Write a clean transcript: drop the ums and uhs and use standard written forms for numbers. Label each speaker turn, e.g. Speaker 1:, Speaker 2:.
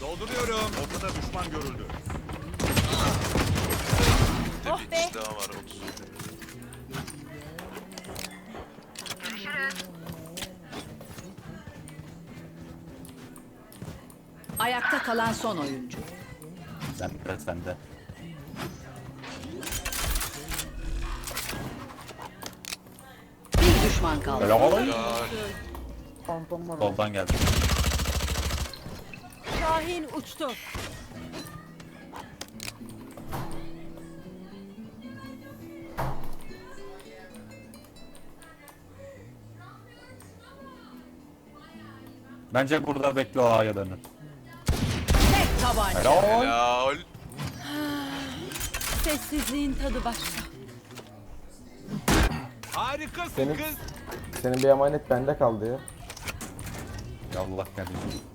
Speaker 1: Dolduruyorum.
Speaker 2: Ortada düşman görüldü.
Speaker 3: Oh
Speaker 4: Bir
Speaker 3: be.
Speaker 4: kişi daha var 30.
Speaker 5: Ayakta kalan son oyuncu.
Speaker 6: Sende.
Speaker 5: Bir düşman kaldı.
Speaker 6: Helal.
Speaker 4: Ya
Speaker 7: Phantom var.
Speaker 6: Soldan geldi.
Speaker 3: Şahin uçtu.
Speaker 6: Bence burada bekle o A'ya dönün.
Speaker 5: Tek tabanca.
Speaker 6: Helal.
Speaker 4: helal.
Speaker 3: Sessizliğin tadı başka.
Speaker 1: Harikasın
Speaker 7: Senin-
Speaker 1: kız.
Speaker 7: Senin bir emanet bende kaldı ya.
Speaker 6: Yallah kardeşim.